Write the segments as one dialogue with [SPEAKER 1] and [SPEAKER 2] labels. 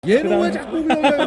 [SPEAKER 1] 얘는 왜 자꾸 그러냐?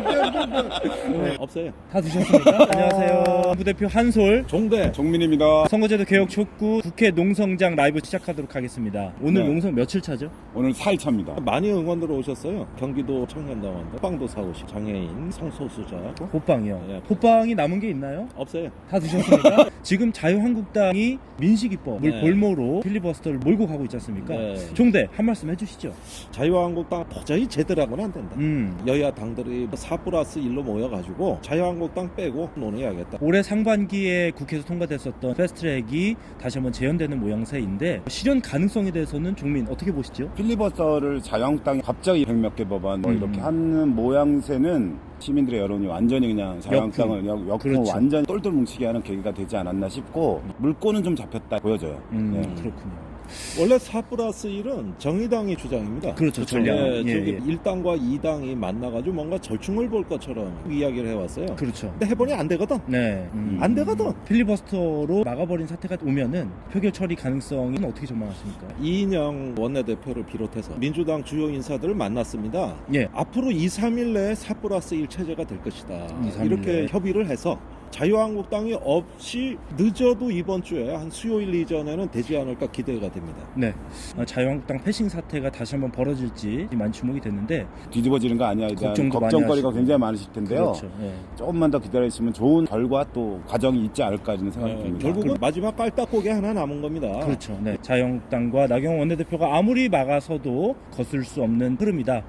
[SPEAKER 2] 없어요.
[SPEAKER 3] 다 드셨습니까? 안녕하세요. 부대표 한솔,
[SPEAKER 2] 종대.
[SPEAKER 1] 정민입니다.
[SPEAKER 3] 선거제도 개혁 촉구 국회 농성장 라이브 시작하도록 하겠습니다. 오늘
[SPEAKER 1] 네.
[SPEAKER 3] 농성 며칠 차죠?
[SPEAKER 1] 오늘 4일차입니다.
[SPEAKER 2] 많이 응원들 오셨어요. 경기도 청년당원들, 호빵도 사오시, 장애인, 성소수자.
[SPEAKER 3] 호빵이요.
[SPEAKER 2] 네.
[SPEAKER 3] 호빵이 남은 게 있나요?
[SPEAKER 2] 없어요.
[SPEAKER 3] 다 드셨습니까? 지금 자유한국당이 민식이법을
[SPEAKER 2] 네.
[SPEAKER 3] 볼모로 필리버스터를 몰고 가고 있지 않습니까?
[SPEAKER 2] 네.
[SPEAKER 3] 종대 한 말씀 해주시죠.
[SPEAKER 2] 자유한국당 도저히 제대로는 안 된다. 여야 당들이 4+1로 모여가지고 자유한국당 빼고 논의해야겠다.
[SPEAKER 3] 올해 상반기에 국회에서 통과됐었던 패스트트랙이 다시 한번 재연되는 모양새인데 실현 가능성에 대해서는 종민 어떻게 보시죠?
[SPEAKER 1] 필리버스터를 자유한국당이 갑자기 100몇 개 법안 뭐 이렇게 하는 모양새는 시민들의 여론이 완전히 그냥 자유한국당을 역풍
[SPEAKER 3] 그렇죠.
[SPEAKER 1] 완전히 똘똘 뭉치게 하는 계기가 되지 않았나 싶고 물꼬는 좀 잡혔다 보여져요. 네.
[SPEAKER 3] 그렇군요.
[SPEAKER 2] 원래 4+1은 정의당의 주장입니다.
[SPEAKER 3] 그렇죠. 전략.
[SPEAKER 2] 네,
[SPEAKER 3] 예,
[SPEAKER 2] 저기
[SPEAKER 3] 예.
[SPEAKER 2] 1당과 2당이 만나가지고 뭔가 절충을 볼 것처럼 이야기를 해왔어요.
[SPEAKER 3] 그렇죠.
[SPEAKER 2] 근데 해보니 안 되거든.
[SPEAKER 3] 네.
[SPEAKER 2] 안 되거든.
[SPEAKER 3] 필리버스터로 막아버린 사태가 오면은 표결 처리 가능성은 어떻게 전망하십니까?
[SPEAKER 2] 이인영 원내대표를 비롯해서 민주당 주요 인사들을 만났습니다.
[SPEAKER 3] 예.
[SPEAKER 2] 앞으로 2, 3일 내에 4+1 체제가 될 것이다.
[SPEAKER 3] 2, 3일
[SPEAKER 2] 이렇게
[SPEAKER 3] 내에.
[SPEAKER 2] 협의를 해서 자유한국당이 없이 늦어도 이번 주에 한 수요일 이전에는 되지 않을까 기대가 됩니다.
[SPEAKER 3] 네. 자유한국당 패싱 사태가 다시 한번 벌어질지 많이 주목이 됐는데
[SPEAKER 1] 뒤집어지는 거 아니야? 대한
[SPEAKER 3] 걱정도 많이
[SPEAKER 1] 걱정거리가
[SPEAKER 3] 하시고.
[SPEAKER 1] 굉장히 많으실 텐데요.
[SPEAKER 3] 그렇죠. 예.
[SPEAKER 1] 조금만 더 기다리시면 좋은 결과 또 과정이 있지 않을까 이런 생각이 듭니다.
[SPEAKER 2] 결국은 마지막 깔딱고개 하나 남은 겁니다.
[SPEAKER 3] 그렇죠. 네. 자유한국당과 나경원 원내대표가 아무리 막아서도 거슬 수 없는 흐름이다.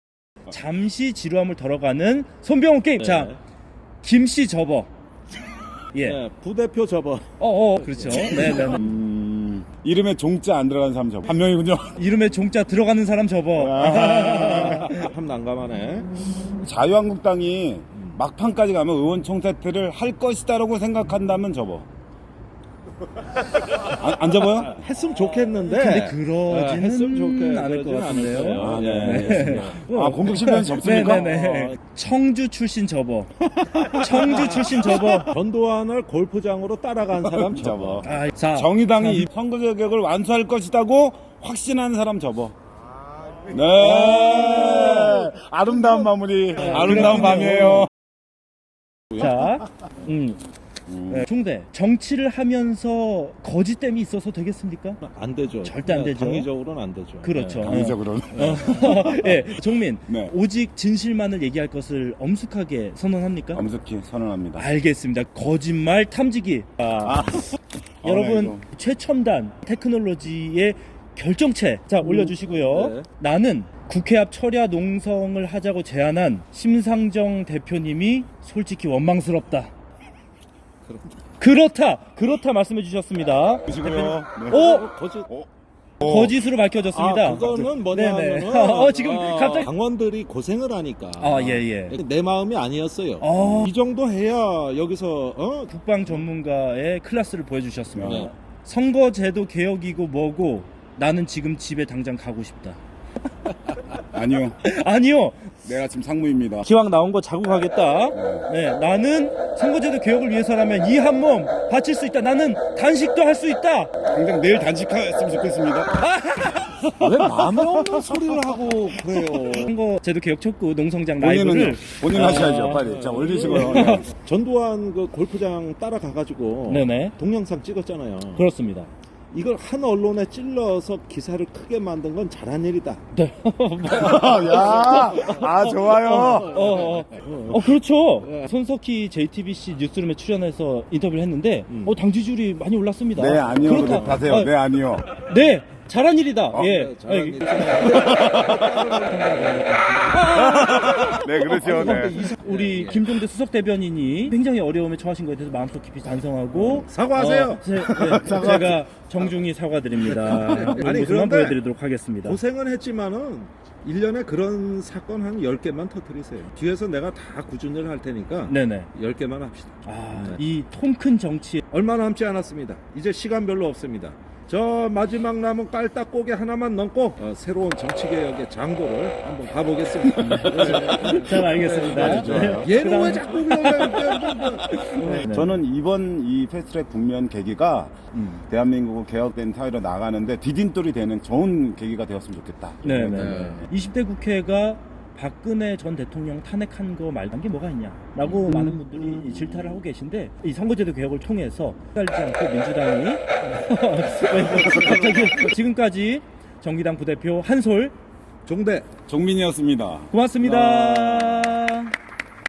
[SPEAKER 3] 잠시 지루함을 덜어가는 손병호 게임.
[SPEAKER 2] 네.
[SPEAKER 3] 자, 김씨 접어. 예.
[SPEAKER 2] 네, 부대표 접어.
[SPEAKER 3] 그렇죠. 네, 네.
[SPEAKER 1] 이름에 종자 안 들어가는 사람 한 명이군요.
[SPEAKER 3] 이름에 종자 들어가는 사람 접어.
[SPEAKER 2] 참 난감하네.
[SPEAKER 1] 자유한국당이 막판까지 가면 의원총 사퇴를 할 것이다라고 생각한다면 접어. 안 접어요?
[SPEAKER 2] 했으면 좋겠는데.
[SPEAKER 3] 근데 그러지는
[SPEAKER 2] 했으면 좋겠-
[SPEAKER 3] 않을 것
[SPEAKER 2] 그러지는
[SPEAKER 3] 같은데요.
[SPEAKER 2] 않을 거예요.
[SPEAKER 1] 아,
[SPEAKER 2] 네.
[SPEAKER 1] 네. 공격 실패는 접습니까?
[SPEAKER 3] 네네네. 청주 출신 접어. 청주 출신 접어.
[SPEAKER 2] 전두환을 골프장으로 따라간 사람 접어.
[SPEAKER 3] 자,
[SPEAKER 1] 정의당이 이 선거제 개혁을 완수할 것이다고 확신하는 사람 접어. 네. 아름다운 마무리. 아름다운 밤이에요.
[SPEAKER 3] 자, 네, 총대 정치를 하면서 거짓됨이 있어서 되겠습니까?
[SPEAKER 2] 안 되죠.
[SPEAKER 3] 절대 안 되죠.
[SPEAKER 2] 당위적으로는 안 되죠.
[SPEAKER 3] 그렇죠.
[SPEAKER 1] 강의적으로는.
[SPEAKER 3] 예, 종민.
[SPEAKER 1] 네.
[SPEAKER 3] 오직 진실만을 얘기할 것을 엄숙하게 선언합니까?
[SPEAKER 1] 엄숙히 선언합니다.
[SPEAKER 3] 알겠습니다. 거짓말 탐지기. 여러분
[SPEAKER 1] 이거.
[SPEAKER 3] 최첨단 테크놀로지의 결정체 자 올려주시고요.
[SPEAKER 2] 네.
[SPEAKER 3] 나는 국회 앞 철야 농성을 하자고 제안한 심상정 대표님이 솔직히 원망스럽다. 그렇다 말씀해 주셨습니다.
[SPEAKER 1] 보시고요. 네.
[SPEAKER 2] 거짓.
[SPEAKER 3] 거짓으로 밝혀졌습니다.
[SPEAKER 2] 그거는
[SPEAKER 3] 네네.
[SPEAKER 2] 뭐냐면은
[SPEAKER 3] 지금 갑자기
[SPEAKER 2] 당원들이 고생을 하니까.
[SPEAKER 3] 예.
[SPEAKER 2] 내 마음이 아니었어요. 이 정도 해야 여기서
[SPEAKER 3] 국방 전문가의 클래스를 보여주셨습니다.
[SPEAKER 2] 네.
[SPEAKER 3] 선거제도 개혁이고 뭐고 나는 지금 집에 당장 가고 싶다.
[SPEAKER 1] 아니요.
[SPEAKER 3] 아니요.
[SPEAKER 1] 내가 지금 상무입니다.
[SPEAKER 3] 기왕 나온 거 자고 가겠다. 네, 나는 선거제도 개혁을 위해서라면 이 한 몸 바칠 수 있다. 나는 단식도 할 수 있다.
[SPEAKER 1] 당장 내일 단식했으면 좋겠습니다.
[SPEAKER 2] 왜 마음에 없는 소리를 하고 그래요.
[SPEAKER 3] 선거제도 개혁 촉구 농성장 라이브를
[SPEAKER 1] 본인 하셔야죠. 빨리. 자, 올리시고요.
[SPEAKER 2] 전두환 그 골프장 따라가가지고
[SPEAKER 3] 네네.
[SPEAKER 2] 동영상 찍었잖아요.
[SPEAKER 3] 그렇습니다.
[SPEAKER 2] 이걸 한 언론에 찔러서 기사를 크게 만든 건 잘한 일이다.
[SPEAKER 3] 네.
[SPEAKER 1] 좋아요.
[SPEAKER 3] 그렇죠. 손석희 JTBC 뉴스룸에 출연해서 인터뷰를 했는데 당 지지율이 많이 올랐습니다.
[SPEAKER 1] 네, 아니요.
[SPEAKER 3] 그렇다.
[SPEAKER 1] 하세요. 네, 아니요.
[SPEAKER 3] 네, 잘한 일이다. 예.
[SPEAKER 2] 네, 잘한 일.
[SPEAKER 1] 네, 그렇죠. 네.
[SPEAKER 3] 우리 김종대 수석 대변인이 굉장히 어려움에 처하신 것에 대해서 마음속 깊이 반성하고
[SPEAKER 2] 사과하세요.
[SPEAKER 3] 제가 정중히 사과드립니다.
[SPEAKER 2] 아니,
[SPEAKER 3] 모습만
[SPEAKER 2] 그런데
[SPEAKER 3] 보여드리도록 하겠습니다.
[SPEAKER 2] 고생은 했지만은 1년에 그런 사건 한 10개만 터뜨리세요. 뒤에서 내가 다 구준을 할 테니까
[SPEAKER 3] 네네.
[SPEAKER 2] 10개만 합시다.
[SPEAKER 3] 이 통 큰 정치
[SPEAKER 2] 얼마 남지 않았습니다. 이제 시간 별로 없습니다. 저 마지막 남은 깔딱고개 하나만 넘고 새로운 정치개혁의 장도를 한번 가보겠습니다.
[SPEAKER 3] 잘 알겠습니다.
[SPEAKER 2] 얘는 왜 자꾸 그러냐.
[SPEAKER 3] 네.
[SPEAKER 1] 저는 이번 이 패스트트랙 국면 계기가 대한민국을 개혁된 사회로 나가는데 디딤돌이 되는 좋은 계기가 되었으면 좋겠다.
[SPEAKER 3] 네네. 20대 국회가 박근혜 전 대통령 탄핵한 거 말고 한 게 뭐가 있냐라고 많은 분들이 질타를 하고 계신데 이 선거제도 개혁을 통해서 헷갈리지 않고 민주당이 갑자기 지금까지 정의당 부대표 한솔
[SPEAKER 2] 종대
[SPEAKER 1] 종민이었습니다.
[SPEAKER 3] 고맙습니다.